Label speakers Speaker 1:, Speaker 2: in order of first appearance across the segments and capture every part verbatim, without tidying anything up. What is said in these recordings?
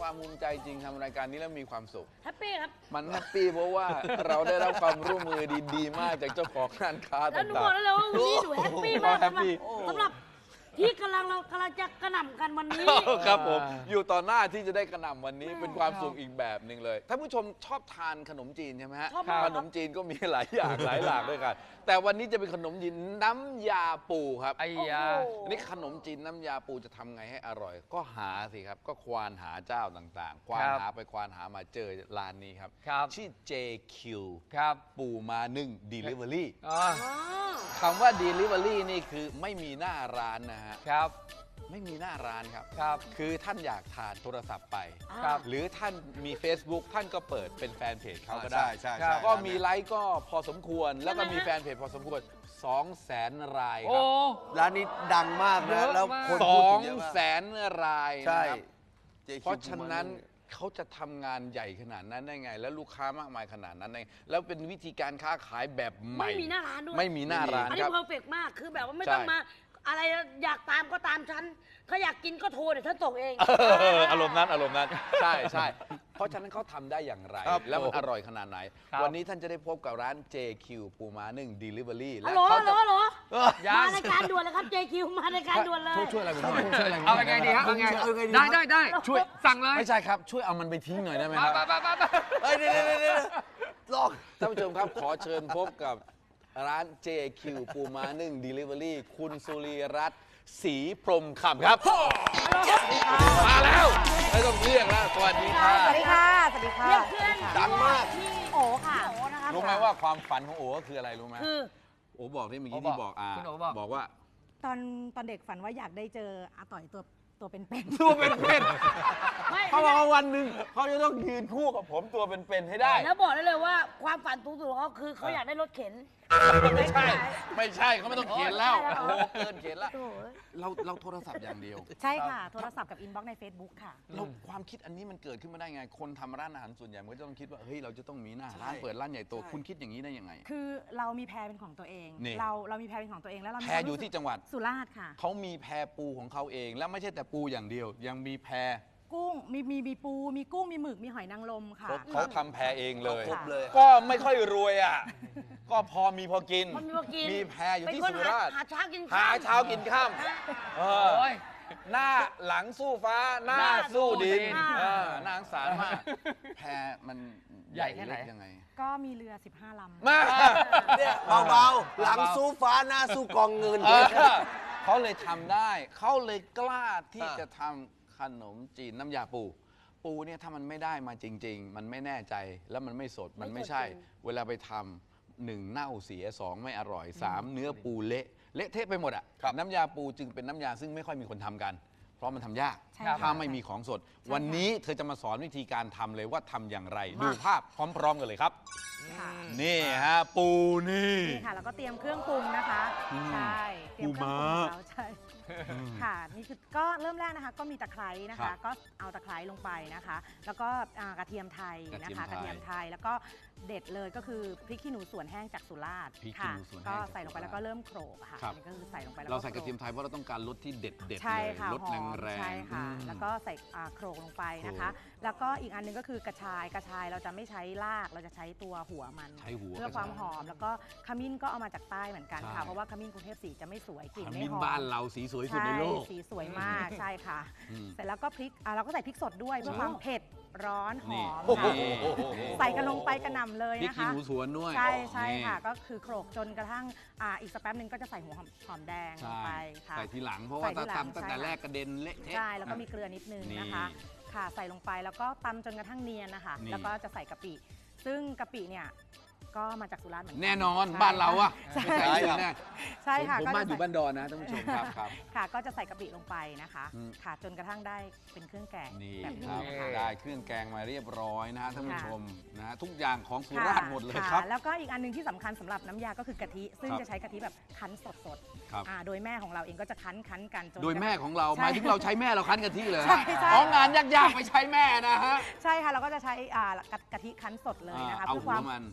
Speaker 1: ความภูมิใจจริงทำรายการนี้แล้วมีความสุข
Speaker 2: แฮปปี้ครับ
Speaker 1: มันแฮปปี้เพราะว่าเราได้รับความร่วมมือดีๆมากจากเจ้าของร้านค้าต่างๆ
Speaker 2: แล้วหนูบอกได้เลยว่าวันนี้หนูแฮปปี้มากสำหรับสำหรับที่กำลังเรากำลังจะกระหน่ำกันวันนี้
Speaker 1: ครับผมอยู่ต่อหน้าที่จะได้กระหน่ำวันนี้เป็นความสุขอีกแบบหนึ่งเลยท่านผู้ชมชอบทานขนมจีนใช่ไหมฮะขนมจีนก็มีหลายอย่างหลายหลากด้วยกันแต่วันนี้จะเป็นขนมจีนน้ำยาปูครับ
Speaker 3: ไอ้ยา
Speaker 1: นี่ขนมจีนน้ำยาปูจะทำไงให้อร่อยก็หาสิครับก็ควานหาเจ้าต่างๆควานหาไปควานหามาเจอร้านนี้ครับชื่อ เจ คิว
Speaker 3: ครับ
Speaker 1: ปูมานึ่ง Delivery
Speaker 3: ค
Speaker 1: ำว่า Delivery นี่คือไม่มีหน้าร้านนะฮะ
Speaker 3: ครับ
Speaker 1: ไม่มีหน้าร้านครับ
Speaker 3: ครับ
Speaker 1: คือท่านอยากทานโทรศัพท์ไป
Speaker 3: ครับ
Speaker 1: หรือท่านมี Facebook ท่านก็เปิดเป็นแฟนเพจเขาก็ได้
Speaker 4: ใช่ใช่
Speaker 1: ก็มีไลค์ก็พอสมควรแล้วก็มีแฟนเพจพอสมควรสองแสนรายครับ
Speaker 4: ร้านนี้ดังมากนะแล้วคน
Speaker 1: สองแสนราย
Speaker 4: ใช่
Speaker 1: เพราะฉะนั้นเขาจะทำงานใหญ่ขนาดนั้นได้ไงแล้วลูกค้ามากมายขนาดนั้นได้แล้วเป็นวิธีการค้าขายแบบใหม่
Speaker 2: ไม่มีหน้าร้านด้วย
Speaker 1: ไม่มีหน้าร้าน
Speaker 2: อันนี้เพอร์เฟกต์มากคือแบบว่าไม่ต้องมาอะไรอยากตามก็ตามฉันเขาอยากกินก็โทรเดี๋ยวฉันส่งเอง
Speaker 1: อารมณ์นั้นอารมณ์นั้นใช่ใช่เพราะฉะนั้นเขาทำได้อย่างไรแล้วมันอร่อยขนาดไหนวันนี้ท่านจะได้พบกับร้าน เจ คิว ปูม้านึ่ง Delivery
Speaker 2: และเขาจะมารายการด่วนเลยครับ เจ คิว มารายการด่วนเลย
Speaker 1: ช่วยอะไรผมหน่อยช่วยอะไร
Speaker 3: เอาไงดีครับได้ได้ได้ช่วยสั่งเลย
Speaker 1: ไม่ใช่ครับช่วยเอามันไปทิ้งหน่อยได้ไหมครับ
Speaker 4: เฮ้ยเดี๋ยวเดี๋ยวลอง
Speaker 1: ท่านผู้ชมครับขอเชิญพบกับร้าน เจ คิว ปูม้านึ่ง Delivery คุณสุรีรัตน์ศรีพรหมคำครับมาแล้วไม่ต้องเรียกแล้วสวัสดีค่ะ
Speaker 5: สวัสดีค่ะสวัสดีค่ะ
Speaker 2: เรียกเพื่อน
Speaker 4: ดังมาก
Speaker 5: โอค่ะโอนะคะ
Speaker 1: รู้ไหมว่าความฝันของโอ๋คืออะไรรู้ไหม
Speaker 2: คือ
Speaker 1: โอ๋บอกที่เมื่อกี้ที่บอกอ่าบอกว่า
Speaker 5: ตอนตอนเด็กฝันว่าอยากได้เจออาต่อยตัวตัวเป็น
Speaker 1: ๆตัวเป็นๆเขาบอกว่าวันหนึ่งเขาจะต้องยืนคู่กับผมตัวเป็นๆให้ได้
Speaker 2: แล้วบอกได้เลยว่าความฝันสูงสุดของเขาคือเขาอยากได้รถเข็น
Speaker 1: ไม่ใช่ไม่ใช่เขาไม่ต้องเขียนแล้วโอ้เกินเขียนแล้วเราเราโทรศัพท์อย่างเดียว
Speaker 5: ใช่ค่ะโทรศัพท์กับอินบ็อกซ์ใน Facebook ค่ะ
Speaker 1: เราความคิดอันนี้มันเกิดขึ้นมาได้ไงคนทำร้านอาหารส่วนใหญ่มันก็จะต้องคิดว่าเฮ้ยเราจะต้องมีหน้าร้านเปิดร้านใหญ่โตคุณคิดอย่างนี้ได้ยังไง
Speaker 5: คือเรามีแพรเป็นของตัวเองเราเรามีแพรเป็นของตัวเองแล้วเรา
Speaker 1: แพรอยู่ที่จังหวัด
Speaker 5: สุราษฎร์ค่ะ
Speaker 1: เขามีแพรปูของเขาเองแล้วไม่ใช่แต่ปูอย่างเดียวยังมีแพร
Speaker 5: กุ้งมีมีมีปูมีกุ้งมีหมึกมีหอยนางรมค่ะ
Speaker 1: เขาทำแพรเองเลย
Speaker 4: ครบเลย
Speaker 1: ก็ไม่ค่อยรวยอ่ะก็พอมีพอกินมีแพรอยู่ที่สุราษฎร์
Speaker 2: หาเช้ากิน
Speaker 1: หาเช้ากินค่ำหน้าหลังสู้ฟ้าหน้าสู้ดินน่าสงสารมากแพรมัน
Speaker 3: ใหญ่แค่ไหน
Speaker 1: ยังไง
Speaker 5: ก็มีเรือสิบห้าลำ
Speaker 1: มา
Speaker 4: เนี่ยเบาๆหลังสู้ฟ้าหน้าสู้กองเงิน
Speaker 1: เขาเลยทำได้เขาเลยกล้าที่จะทำขนมจีนน้ำยาปูปูเนี่ยถ้ามันไม่ได้มาจริงๆมันไม่แน่ใจแล้วมันไม่สดมันไม่ใช่เวลาไปทำหนึ่งเน่าเสียสองไม่อร่อยสามเนื้อปูเละเละเทะไปหมดอ่ะน้ำยาปูจึงเป็นน้ำยาซึ่งไม่ค่อยมีคนทำกันเพราะมันทำยากถ้าไม่มีของสดวันนี้เธอจะมาสอนวิธีการทำเลยว่าทำอย่างไรดูภาพพร้อมๆกันเลยครับนี่ฮะปูนี่
Speaker 5: นี่ค่ะแล้วก็เตรียมเครื่องปรุงนะคะใช่เตรียมเครื่องปรุงแล้วใช่ค่ะนี่คือก็เริ่มแรกนะคะก็มีตะไคร้นะคะก็เอาตะไคร้ลงไปนะคะแล้วก็กระเทียมไทยนะคะกระเทียมไทยแล้วก็เด็ดเลยก็คือพริกขี้หนูสวนแห้งจากสุราษฎร์ค่ะก็ใส่ลงไปแล้วก็เริ่มโขลกค่ะนี่ก็คือใส่ลงไปแล้ว
Speaker 1: เราใส่กระเทียมไทยเพราะเราต้องการรสที่เด็ดเด็ด
Speaker 5: เลย
Speaker 1: รสแรงแรง
Speaker 5: ใช่ค่ะแล้วก็ใส่โขลกลงไปนะคะแล้วก็อีกอันนึงก็คือกระชายกระชายเราจะไม่ใช้รากเราจะใช้ตัวหัวมันเพื่อความหอมแล้วก็ขมิ้นก็เอามาจากใต้เหมือนกันค่ะเพราะว่าขมิ้นกรุงเทพสีจะไม่สวยกลิ่นไม่หอม
Speaker 1: บ้านเราสีสวยสุดในโลก
Speaker 5: สีสวยมากใช่ค่ะเสร็จแล้วก็พริกเราก็ใส่พริกสดด้วยเพื่อความเผ็ดร้อนหอมใส่กันลงไปกระหน่ำเลยนะคะพริกขี้
Speaker 1: หนูสวนด้วย
Speaker 5: ใช่ใช่ค่ะก็คือโขลกจนกระทั่งอีกสักแป๊บนึงก็จะใส่หัวหอมแดงลงไปค่ะ
Speaker 1: ใส่ทีหลังเพราะว่าถ้าทำตั้งแต่แรกกระเด็นเละเทะ
Speaker 5: ใช่แล้วก็มีเกลือนิดนึงนะคะค่ะใส่ลงไปแล้วก็ตำจนกระทั่งเนียนนะคะแล้วก็จะใส่กะปิซึ่งกะปิเนี่ยก็มาจากสุราษฎร์เหมือนกัน
Speaker 1: แน่นอนบ้านเราอะ
Speaker 5: ใช่
Speaker 1: แน่
Speaker 5: ใช่ค่ะ
Speaker 1: ผมมาอยู่บ้านดอนนะท่านผู้ชมครับครับ
Speaker 5: ค่ะก็จะใส่กะปิลงไปนะคะค่ะจนกระทั่งได้เป็นเครื่องแกง
Speaker 1: นี่ครับได้เครื่องแกงมาเรียบร้อยนะท่านผู้ชมนะทุกอย่างของสุราษฎร์หมดเลยครับ
Speaker 5: แล้วก็อีกอันนึงที่สำคัญสำหรับน้ำยาก็คือกะทิซึ่งจะใช้กะทิแบบคั้นสดๆโดยแม่ของเราเองก็จะคั้นคั้นกัน
Speaker 1: โดยแม่ของเราหมายถึงเราใช้แม่เราคั้นกะทิเลยอ๋องานยากๆไปใช้แม่นะฮะ
Speaker 5: ใช่ค่ะเราก็จะใช้กะทิคั้นสดเลยนะคะเพื่อความหอม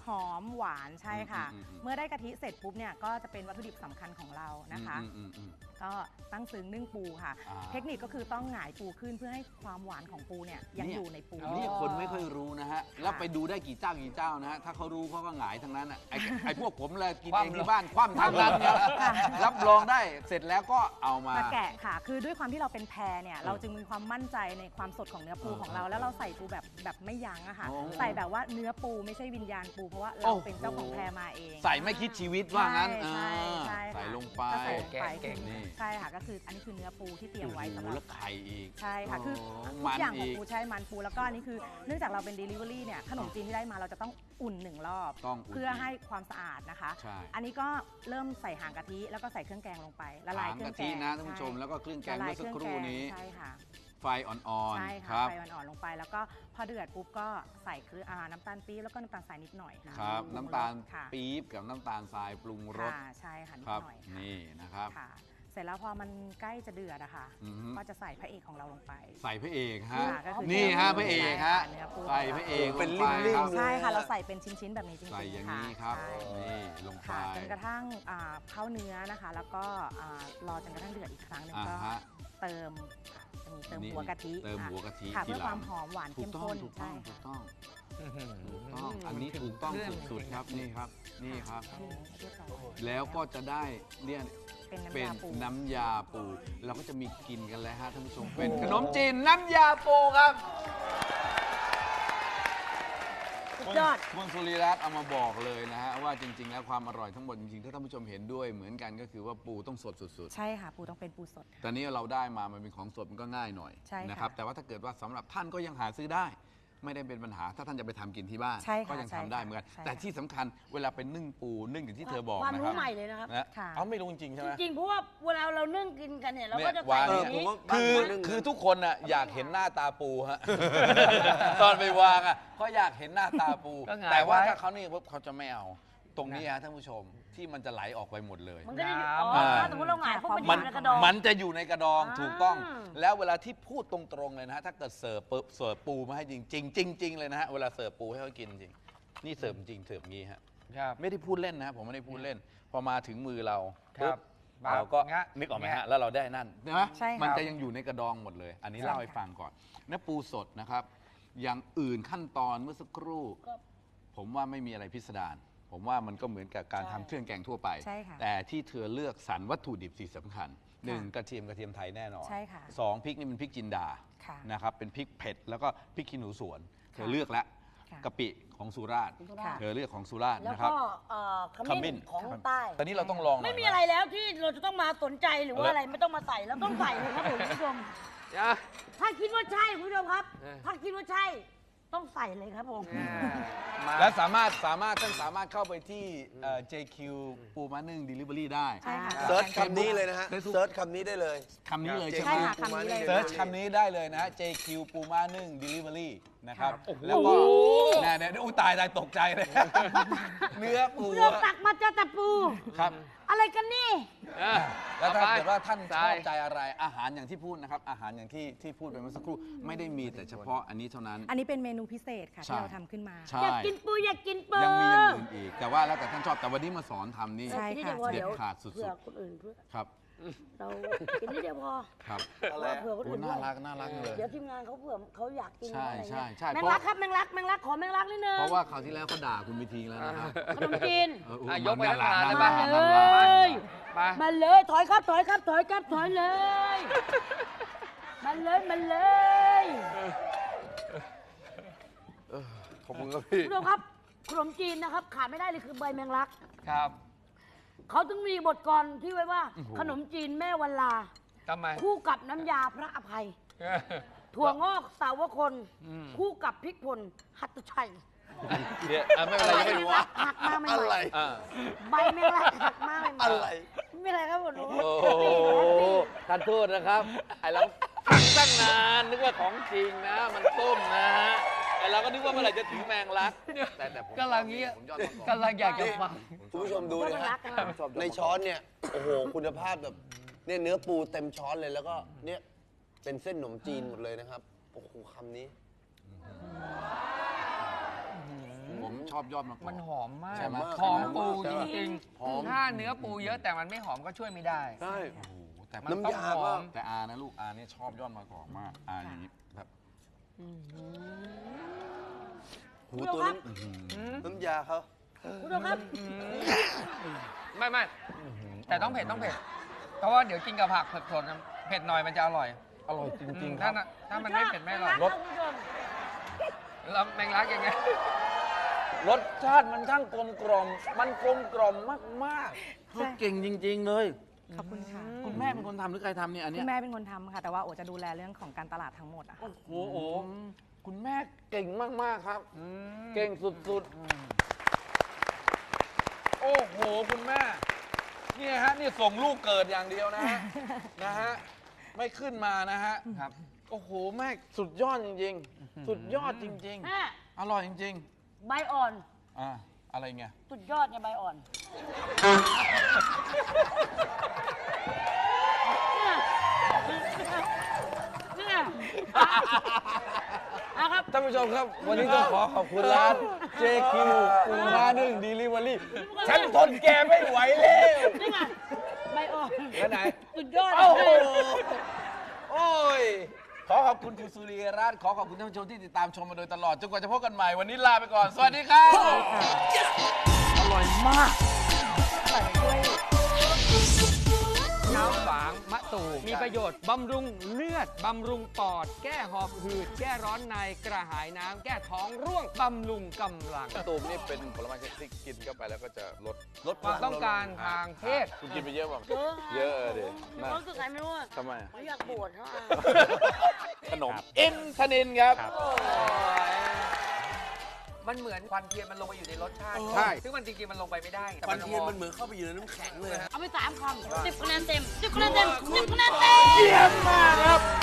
Speaker 5: หวานใช่ค่ะ
Speaker 1: อืมอืมอืม
Speaker 5: เมื่อได้กะทิเสร็จปุ๊บเนี่ยก็จะเป็นวัตถุดิบสำคัญของเรานะคะ
Speaker 1: อืมอืมอืม
Speaker 5: ก็ตั้งซึ้งนึ่งปูค่ะ
Speaker 1: อ่า
Speaker 5: เทคนิคก็คือต้องหงายปูขึ้นเพื่อให้ความหวานของปูเนี่ยยัง
Speaker 1: เนี่ย
Speaker 5: อยู่ในปู
Speaker 1: นี่คนไม่ค่อยรู้นะฮะ แล้วไปดูได้กี่เจ้ากี่เจ้านะฮะ ถ้าเขารู้เขาก็หงายทั้งนั้นอ่ะ ไอ้ไอ้พวกผมเลยกินเองที่บ้านคว่ำทั้งนั้นเนี่ยรับรองได้เสร็จแล้วก็เอามา
Speaker 5: มาแกะค่ะ คือด้วยความที่เราเป็นแพรเนี่ย เราจึงมีความมั่นใจในความสดของเนื้อปู
Speaker 1: เออ
Speaker 5: ของเรา
Speaker 1: เออ
Speaker 5: แล้วเราใส่ปูแบบแบบไม่ยั้งอะค่ะ
Speaker 1: โอ้
Speaker 5: ใส่แบบว่าเนื้อปูไม่ใช่วิญญาณปู เพราะว่า
Speaker 1: โอ้
Speaker 5: เรา
Speaker 1: โห
Speaker 5: เป็นเจ้าของแพรมาเอง
Speaker 1: ใส่ไม่คิดชีวิตว่างั้น
Speaker 5: ใช่ใช่
Speaker 1: อ่า
Speaker 5: ค่ะ
Speaker 1: ใส่ลงไป
Speaker 5: ก็ใส่ลงไป
Speaker 3: เก่งๆ
Speaker 5: คือ
Speaker 1: นี่
Speaker 5: ใช่ค่ะ ก็คืออันนี้คือเนื้อปูที่เตรียมไว้สำห
Speaker 1: โอ้
Speaker 5: รับ
Speaker 1: โหแล้วไข่อีก
Speaker 5: ใช่ค่ะ คือ
Speaker 1: โ
Speaker 5: ทุ
Speaker 1: มั
Speaker 5: ก
Speaker 1: น
Speaker 5: อย่างของ
Speaker 1: อีก
Speaker 5: ปูใช่มันปูแล้วก็อันนี้คือเนื่องจากเราเป็น Delivery เนี่ยขนมจีนที่ได้มาเราจะต้องอุ่นหนึ่งรอบ
Speaker 1: ต้องอุ่น
Speaker 5: เพื่อให้ความสะอาดนะคะ
Speaker 1: ใช่
Speaker 5: อันนี้ก็เริ่มใส่หางกะทิแล้วก็ใส่เครื่องแกงลงไปละลาย
Speaker 1: หาง
Speaker 5: เครื่อก
Speaker 1: ะ
Speaker 5: งแก
Speaker 1: ทิ
Speaker 5: ง
Speaker 1: นะท่านผู้ชม
Speaker 5: ใ
Speaker 1: แล้วก็เครื่องแกง
Speaker 5: ละลา
Speaker 1: เมื่
Speaker 5: ย
Speaker 1: อ
Speaker 5: เค
Speaker 1: สัก
Speaker 5: รื่อง
Speaker 1: ค
Speaker 5: แก
Speaker 1: รู่
Speaker 5: ง
Speaker 1: นี้
Speaker 5: ใช่ค่ะ
Speaker 1: ไฟอ่อน
Speaker 5: ใช่
Speaker 1: ๆ ค
Speaker 5: ค่ะ
Speaker 1: รับ
Speaker 5: ไฟอ่อนๆลงไปแล้วก็พอเดือดปุ๊บก็ใส่เครื่องอ่าน้ำตาลปี๊บแล้วก็น้ำตาลทรายนิดหน่อยค่ะ
Speaker 1: ครับ
Speaker 5: ปรุง
Speaker 1: น้ำตาล
Speaker 5: รสค่ะ
Speaker 1: ปี๊บกับน้ำตาลทรายปรุงรส
Speaker 5: ค่ะใช่ค่ะนิ
Speaker 1: ค
Speaker 5: ด
Speaker 1: รับ
Speaker 5: หน่อยค่ะ
Speaker 1: นี่นะครับ
Speaker 5: ค่ะ เสร็จแล้วพอมันใกล้จะเดือดอะค่ะ
Speaker 1: อือฮึ
Speaker 5: ก็จะใส่พระเอกของเราลงไป
Speaker 1: ใส่พระเอกฮะ
Speaker 5: ค่ะก็คือ
Speaker 1: นี่ฮะ
Speaker 5: เนื้อปู
Speaker 1: พระเอกฮะ
Speaker 5: เนื้อปู
Speaker 1: ใส่พระเอก
Speaker 4: เป็น
Speaker 1: ลงไป
Speaker 4: ริ่มๆ
Speaker 1: ครับ
Speaker 5: ใช่ค่ะเราใส่เป็นชิ้นๆแบบนี้จริงๆ
Speaker 1: ใส่อย่าง
Speaker 5: ค่ะ
Speaker 1: นี้ครับ
Speaker 5: ใช่
Speaker 1: นี่ลงไป
Speaker 5: ค่ะจนกระทั่งอ่าเข้าเนื้อนะคะ แล้วก็อ่ารอจนกระทั่งเดือดอีกครั้งหนึง
Speaker 1: อ่า
Speaker 5: ก็
Speaker 1: ฮะ
Speaker 5: เติมค่ะจะมีเติม
Speaker 1: นี่
Speaker 5: หัวกะทิ
Speaker 1: เติม
Speaker 5: ค่ะ
Speaker 1: หัวกะทิ
Speaker 5: ค่ะ
Speaker 1: ที
Speaker 5: เพื่อ
Speaker 1: หลัง
Speaker 5: ความหอมหวาน
Speaker 1: ถู
Speaker 5: เข้
Speaker 1: ก
Speaker 5: ม
Speaker 1: ต้อง
Speaker 5: ข้น
Speaker 1: ถูกต้
Speaker 5: ใช่
Speaker 1: องถูก
Speaker 5: ค่ะ
Speaker 1: ต้องถูกต้องอันนี้ถูกต้องสุดๆครับนี่ครับนี่ครับ
Speaker 5: นี่เรียบร้อย
Speaker 1: แล้วก็จะได้เนี่ย
Speaker 5: เป็นน้ำ
Speaker 1: เป็น
Speaker 5: ยาปู
Speaker 1: น้ำยาปู เราก็จะมีกินกันแล้วฮะท่านผู้ชมเป็นขนมจีนน้ำยาปูครับ
Speaker 2: สุดยอด
Speaker 1: คุณสุริรัตน์เอามาบอกเลยนะฮะว่าจริง ๆ แล้วความอร่อยทั้งหมดจริงๆถ้าท่านผู้ชมเห็นด้วยเหมือนกันก็คือว่าปูต้องสดสุดๆ
Speaker 5: ใช่ค่ะ ปูต้องเป็นปูสดค่ะ
Speaker 1: ตอนนี้เราได้มามันเป็นของสดมันก็ง่ายหน่อย
Speaker 5: ใช่ค่ะ
Speaker 1: นะครับแต่ว่าถ้าเกิดว่าสำหรับท่านก็ยังหาซื้อได้ ไม่ได้เป็นปัญหาถ้าท่านจะไปทำกินที่บ้าน
Speaker 5: ใช่ค่ะ
Speaker 1: ก็ยังทำได้เหมือนกัน
Speaker 5: ใช่ค่ะ
Speaker 1: แต่ที่สำคัญเวลาเป็นนึ่งปูนึ่งอย่างที่เธอบอก
Speaker 2: ความ
Speaker 1: นะค
Speaker 2: รู้
Speaker 1: รับ
Speaker 2: ใหม่เลยนะครับ
Speaker 1: นะ
Speaker 5: ค่ะ
Speaker 1: เอาไม่รู้จริงๆใช่ไหม
Speaker 2: จริงๆเพราะว่าเวลาเรานึ่งกินกันเนี่ยเรา
Speaker 1: เนี่
Speaker 2: ก็
Speaker 1: ย
Speaker 2: จะ
Speaker 1: วา
Speaker 2: ใส่
Speaker 1: ง
Speaker 2: แบ
Speaker 1: เนี่ย
Speaker 2: บนี้
Speaker 1: คือ
Speaker 4: บ้านนึ่ง
Speaker 1: คือทุกคนน่ะอยากเห็นหน้าตาปูฮะ ตอนไปวางอ่ะเขาอยากเห็นหน้าตาปู
Speaker 3: ก็หงาย
Speaker 1: แต่ว่า
Speaker 3: ไว้
Speaker 1: ถ้าเขานี่ปุ๊บเขาจะไม่เอา ตรงนี้ฮะท่านผู้ชมที่มันจะไหลออกไปหมดเลย
Speaker 2: มันก็จะอยู่
Speaker 3: น้ำ
Speaker 2: อ๋อ
Speaker 1: อ่า
Speaker 2: ถ้าสมมติเราหงายพวกมัน
Speaker 1: มั
Speaker 2: อน ยู่ในกระดอง
Speaker 1: มันจะอยู่ในกระดอง
Speaker 2: อ่า
Speaker 1: ถูกต้อง แล้วเวลาที่พูดตรงๆเลยนะฮะถ้าเกิดเสิร์ฟปุ๊บเสิร์ฟปูมาให้จริงๆจริงๆเลยนะฮะเวลาเสิร์ฟปูให้เขากินจริงนี่เสิร์ฟจริงเสิร์ฟงี้ฮะ
Speaker 3: ครับ
Speaker 1: ไม่ได้พูดเล่นนะฮะผมไม่ได้พูดเล่น พอมาถึงมือเรา
Speaker 3: ครับ
Speaker 1: ปุ๊เราก็
Speaker 3: งะ
Speaker 1: นึกออกไหม
Speaker 3: งะ
Speaker 1: ฮะแล้วเราได้นั่นใช่ไหม
Speaker 5: ใช่ค่ะ
Speaker 1: มันจะยังอยู่ในกระดองหมดเลย อันนี้
Speaker 5: ใช่
Speaker 1: เล่าให้
Speaker 5: ค่ะ
Speaker 1: ฟังก่อนเนื้อปูสดนะครับอย่างอื่นขั้นตอนเมื่อสักครู่ ผมว่าไม่มีอะไรพิสดารผมว่ามันก็เหมือนกับการทำเครื่องแกงทั่วไป
Speaker 5: ใช่ค่ะ
Speaker 1: แต่ที่เธอเลือกสรรวัตถุดิบสิ่งสำคัญหนึ่งกระเทียมกระเทียมไทยแน่นอน
Speaker 5: ใช่ค่ะ
Speaker 1: สองพริกนี่เป็นพริกจินดา
Speaker 5: ค่ะ
Speaker 1: นะครับเป็นพริกเผ็ดแล้วก็พริกขี้หนูสวน เธอ
Speaker 5: ค่ะ
Speaker 1: เลือกแล้ว
Speaker 5: ค่ะ
Speaker 1: กะปิของสุราษฎร์
Speaker 5: ค่ะ
Speaker 1: เธอเลือกของสุราษฎร์
Speaker 2: แล้ว
Speaker 1: นะครับ
Speaker 2: ก็เอ่อขมิ้นของใต้
Speaker 1: ตอนนี้เราต้องลองหน่ย
Speaker 2: ไม่มี
Speaker 1: ห
Speaker 2: อะไรแล้วที่เราจะต้องมาสนใจหรือว่า
Speaker 1: เอาละ
Speaker 2: อะไรไม่ต้องมาใส่เราต้องใส่เลยครับผมคุณผู้ชม
Speaker 3: อ่ะ
Speaker 2: ถ้าคิดว่าใช่คุณผู้ชมครับ
Speaker 3: เออ
Speaker 2: ถ้าคิดว่าใช่ต้องใส่เลยครับผม
Speaker 3: มา
Speaker 1: และสามารถสามารถท่านสามารถเข้าไปที่เอ่อ เจ คิว ปูม้านึ่ง Delivery ได้
Speaker 5: ใช่ค่ะ
Speaker 4: เซิร์ชคำนี้เลยนะฮะ
Speaker 1: Facebook
Speaker 4: เซิร์ชคำนี้ได้เลย
Speaker 1: คำนี้เลย
Speaker 4: ใช่
Speaker 1: ใช่ไห
Speaker 5: ใช่
Speaker 1: ม
Speaker 5: ค่ะคำนี้เลย
Speaker 1: เซิร์ชคำนี้ได้เลยนะฮะ เจ คิว ปูม้านึ่ง Delivery นะครับ
Speaker 5: ค่ะ
Speaker 1: แล้วก็เนี่ยเนี่ยอุ้ยตายตายตกใจเลย เนื้อปู
Speaker 2: คุณผู้ชมตักมาเจอแต่ปู
Speaker 1: ครับ
Speaker 2: อะไรกันนี่
Speaker 3: อ่ะ
Speaker 1: แล้วถ้า
Speaker 3: ต่อไป
Speaker 1: เกิดว่าท่านช
Speaker 3: ใช่
Speaker 1: อบใจอะไรอาหารอย่างที่พูดนะครับ อาหารอย่างที่ที่พูดไปเมื่อสักครู่ไม่ได้มีแต่เฉพาะอันนี้เท่านั้น
Speaker 5: อันนี้เป็นเมนูพิเศษค่ะ
Speaker 1: ใช่
Speaker 5: ที่เราทำขึ้นมา
Speaker 1: ใช่
Speaker 2: อยากกินปูอยากกินปู
Speaker 1: ยังมีอย่างอื่นอีก แต่ว่าแล้วแต่ท่านชอบแต่วันนี้มาสอนทำนี่
Speaker 5: ใช่
Speaker 2: กินนิดเดียวพอ
Speaker 1: เด็ด
Speaker 2: เดี๋ยว
Speaker 1: ขาดสุดๆ
Speaker 2: เผื่อคนอื่นเพื่อ
Speaker 1: ครับ
Speaker 2: เรากินนิดเดียวพอ
Speaker 1: ครับ
Speaker 4: อะไรอะ
Speaker 2: เผื่อคน
Speaker 1: โอ้
Speaker 2: อื่น
Speaker 1: น่า
Speaker 2: ด้วย
Speaker 1: รักน่ารักเลย
Speaker 2: เดี๋ยวทีมงานเขาเผื่อเขาอยากกิน
Speaker 1: ใช่
Speaker 2: อะไร
Speaker 1: ใช่
Speaker 2: เงี้ย
Speaker 1: ใช่
Speaker 2: แมงลักครับแมงลักแมงลักขอแมงลักนิดนึง
Speaker 1: เพราะว่าคราวที่แล้วเขาด่าคุณไปทีแล้วนะครับ
Speaker 2: ขนมจีน
Speaker 1: เออ
Speaker 3: อ่ะ
Speaker 1: โอ้
Speaker 3: ยกไป
Speaker 1: น่ารัก
Speaker 3: ทั้ง
Speaker 1: น่า
Speaker 3: ถาด
Speaker 1: รัก
Speaker 3: เลย
Speaker 1: น่า
Speaker 2: มา
Speaker 1: รัก
Speaker 2: เลย
Speaker 3: ไป
Speaker 2: มาเลยถอยครับถอยครับถอยครับถอยเลยมาเลยมาเลย
Speaker 4: ขอบคุณครับพี่
Speaker 2: คุณผู้ชมครับขนมจีนนะครับขาดไม่ได้เลยคือใบแมงลัก
Speaker 3: ครับ
Speaker 2: เขาถึงมีบทกลอนที่ไว้ว่า
Speaker 1: โอ้โห
Speaker 2: ขนมจีนแม่วันลา
Speaker 3: ทำไม
Speaker 2: คู่กับน้ำยาพระอภัย ถั่วงอกสาวคน
Speaker 3: อืม
Speaker 2: คู่กับพริกป่นหัตถชัย
Speaker 1: เดี๋ยวอ่ะไม่เป็นไรยังไม่รู้
Speaker 2: ใบแมงลักหักมาใหม่
Speaker 4: อะไร
Speaker 2: ๆ
Speaker 1: อ่า
Speaker 2: ใบแมงลักหักมาใหม่ๆ
Speaker 4: อะไร
Speaker 2: ไม่เป็นไรครับผม
Speaker 1: โอ้โหท่านโทษนะครับไอ้เราฟังตั้งนานนึกว่าของจริงนะ มันต้มนะฮะไอ้เราก็นึกว่าเมื่อไหร่จะถึงแมงลัก แต่แต่ผม
Speaker 3: กำลังเงี้ย
Speaker 1: ผมยอดมาก
Speaker 3: กำลังอยากจะฟัง
Speaker 4: คุณผู้ชมดู
Speaker 2: แม
Speaker 4: นะ
Speaker 2: ง
Speaker 4: ฮะ
Speaker 2: ลักกัน
Speaker 1: ชอบ
Speaker 4: ในช้อนเนี่ย โอ้โห คุณภาพแบบเนี่ยเนื้อปูเต็มช้อนเลยแล้วก็เนี่ยเป็นเส้นขนมจีนหมดเลยนะครับ โอ้โหคำนี้
Speaker 1: อผมชอบยอดมะกอก
Speaker 3: มันหอมมาก
Speaker 1: ใช่ไหม
Speaker 3: หอมปู
Speaker 4: ใช่
Speaker 3: จ
Speaker 4: ไหม
Speaker 3: ริง
Speaker 4: หอม
Speaker 3: ๆถ้าเนื้อปูเยอะแต่มันไม่หอมก็ช่วยไม่ได้
Speaker 4: ใช่
Speaker 1: โอ้โหแต่
Speaker 3: มัน
Speaker 1: มัน
Speaker 3: ต้อง
Speaker 4: น้ำยา
Speaker 3: หอ
Speaker 4: ก็
Speaker 3: ม
Speaker 1: แต่อานะลูกอาเนี่ยชอบยอดมะกอกมากอาอย่างนี้แบบ
Speaker 4: หูตัวน้ำน้ำยาเขา
Speaker 2: คุณผู้ชมครับ
Speaker 3: ไม่ไม่แต่ต้องเผ็ดต้องเผ็ด เพราะว่าเดี๋ยวกินกับผักเผ็ดสดนะเผ็ดหน่อยมันจะอร่อย
Speaker 1: อร่อยจริงๆค
Speaker 3: ถ้า
Speaker 1: รับ
Speaker 3: น่ะถ้ามันไม่เผ็ดไม่อร่อย
Speaker 2: รสคุณผู้ชม
Speaker 3: แล้วแมงลักยังไง
Speaker 1: รสชาติมันช่างกลมกล่อมมันกลมกล่อมมากๆเขาเก่งจริง ๆ เลย
Speaker 5: ขอบคุณค่ะ
Speaker 1: คุณแม่เป็นคนทำหรือใครทำเนี่ยอัน
Speaker 5: คุ
Speaker 1: เนี้
Speaker 5: ณ
Speaker 1: ย
Speaker 5: แม่เป็นคนทำค่ะ แต่ว่าโอจะดูแลเรื่องของการตลาดทั้งหมดอะค่ะ
Speaker 1: โอ้โหคุณแม่เก่งมาก ๆ ครับ เก่งสุด ๆ โอ้โห คุณแม่ เนี่ยฮะ นี่ส่งลูกเกิดอย่างเดียวนะฮะ นะฮะ ไม่ขึ้นมานะฮะ
Speaker 3: ครับ
Speaker 1: โอ้โห แม่สุดยอดจริง ๆ สุดยอดจริง
Speaker 2: แม่
Speaker 1: ๆ อร่อยจริง
Speaker 2: ใบอ่อน
Speaker 1: ๆ อ่า อะไรเงี้ย
Speaker 2: สุดยอดเนี่ยใบอ่อนเนี่ยเนี่ยนะครับ
Speaker 4: ท่านผู้ชมครับ วันนี้ต้องขอขอบคุณร้าน เจ คิว ปูม้านึ่ง Delivery ฉันทนแกไม่ไหวแล้ว
Speaker 2: นี่ไงใบอ่อน
Speaker 1: แล้วไหน
Speaker 2: สุดยอด
Speaker 1: โอ้โห โอ้ย ขอขอบคุณคุณสุริยรัตน์ขอขอบคุณท่านผู้ชมที่ติดตามชมมาโดยตลอด จนกว่าจะพบกันใหม่ วันนี้ลาไปก่อน สวัสดีครับ อร่อยมาก
Speaker 3: น้ำฝางมะตูมมีประโยชน์บำรุงเลือด บำรุงปอด แก้หอบหืด แก้ร้อนในกระหายน้ำ แก้ท้องร่วง บำรุงกำลัง
Speaker 1: ตูมนี่เป็นผลไม้ชนิดที่กินเข้าไปแล้วก็จะลด
Speaker 4: ลด
Speaker 3: ความต้องการทางเพศ
Speaker 1: คุณกินไปเยอะป่ะ
Speaker 2: เยอะ
Speaker 1: เยอะเด็
Speaker 2: มีความรู้สึกไงไม่รู้อะ
Speaker 1: ทำไม
Speaker 2: ไม่อยากบวชเขาอ่ะ
Speaker 1: ขนม อินทนินครับ
Speaker 3: มันเหมือนควันเทียนมันลงไปอยู่ในรสชาติ
Speaker 1: ใช่
Speaker 3: ซึ่งมันจริงๆมันลงไปไม่ได้แต่
Speaker 4: ควันเทียน
Speaker 3: หอ
Speaker 4: มันเหมือนเข้าไปอยู่ในน้ำแข็งเลยฮะ
Speaker 2: เอาไปสามคำสิบคะแนนเต็มสิบคะแนนเต็มสิบคะแนนเต็ม
Speaker 1: เยี่ยมมากครับ